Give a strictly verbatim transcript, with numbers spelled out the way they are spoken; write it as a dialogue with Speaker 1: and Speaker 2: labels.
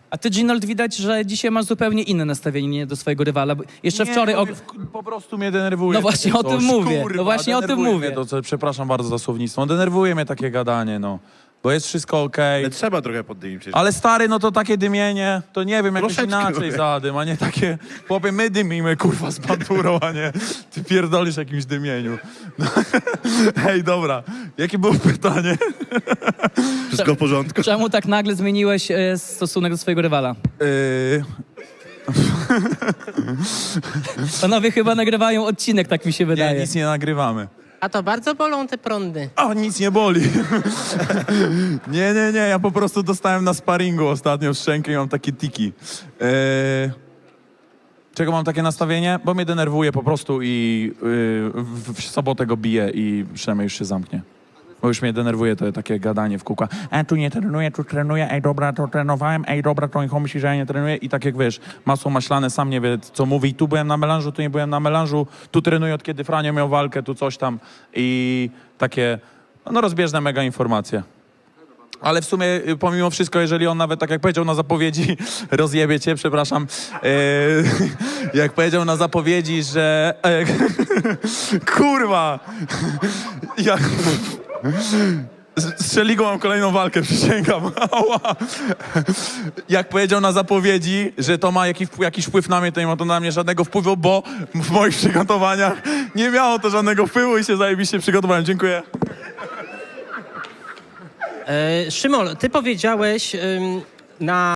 Speaker 1: A ty, Ginold, widać, że dzisiaj masz zupełnie inne nastawienie do swojego rywala. Bo Jeszcze
Speaker 2: Nie,
Speaker 1: wczoraj...
Speaker 2: bo
Speaker 1: Og...
Speaker 2: mnie w- po prostu mnie denerwuje.
Speaker 1: No właśnie
Speaker 2: takie
Speaker 1: o tym
Speaker 2: coś.
Speaker 1: mówię,
Speaker 2: Kurwa,
Speaker 1: no właśnie o tym
Speaker 2: denerwuje
Speaker 1: mówię.
Speaker 2: mnie To, co, przepraszam bardzo za słownictwo. Denerwuje mnie takie gadanie, no. Bo jest wszystko okej.
Speaker 3: Ale trzeba trochę poddymić przecież.
Speaker 2: Ale stary, no to takie dymienie, to nie wiem, jakoś
Speaker 3: Troszeczkę,
Speaker 2: inaczej
Speaker 3: mówię.
Speaker 2: zadym, a nie takie, chłopie, my dymimy, kurwa, z bandurą, a nie ty pierdolisz jakimś dymieniu. No. Hej, dobra, jakie było pytanie?
Speaker 3: Wszystko w porządku.
Speaker 1: Czemu tak nagle zmieniłeś e, stosunek do swojego rywala?
Speaker 2: Yy,
Speaker 1: Panowie chyba nagrywają odcinek, tak mi się
Speaker 2: nie,
Speaker 1: wydaje.
Speaker 2: nic nie nagrywamy.
Speaker 4: A to bardzo bolą te prądy.
Speaker 2: O, nic nie boli. nie, nie, nie, ja po prostu dostałem na sparingu ostatnio w szczękę i mam takie tiki. Yy, czego mam takie nastawienie? Bo mnie denerwuje po prostu i yy, w, w sobotę go biję i przynajmniej już się zamknie. Bo już mnie denerwuje to takie gadanie w kółka. E, tu nie trenuję, tu trenuję, ej dobra, to trenowałem, ej dobra, to niech myśli, że ja nie trenuję. I tak jak wiesz, masło maślane, sam nie wie, co mówi. Tu byłem na melanżu, tu nie byłem na melanżu, tu trenuję od kiedy Franio miał walkę, tu coś tam. I takie, no rozbieżne mega informacje. Ale w sumie, y, pomimo wszystko, jeżeli on nawet, tak jak powiedział na zapowiedzi, rozjebie cię, przepraszam, yy, jak powiedział na zapowiedzi, że... E, kurwa! Jak... Z Szeligą mam kolejną walkę, przysięgam. Ała. Jak powiedział na zapowiedzi, że to ma jakiś, jakiś wpływ na mnie, to nie ma to na mnie żadnego wpływu, bo w moich przygotowaniach nie miało to żadnego wpływu i się zajebiście przygotowałem. Dziękuję.
Speaker 4: E, Szymon, ty powiedziałeś ym, na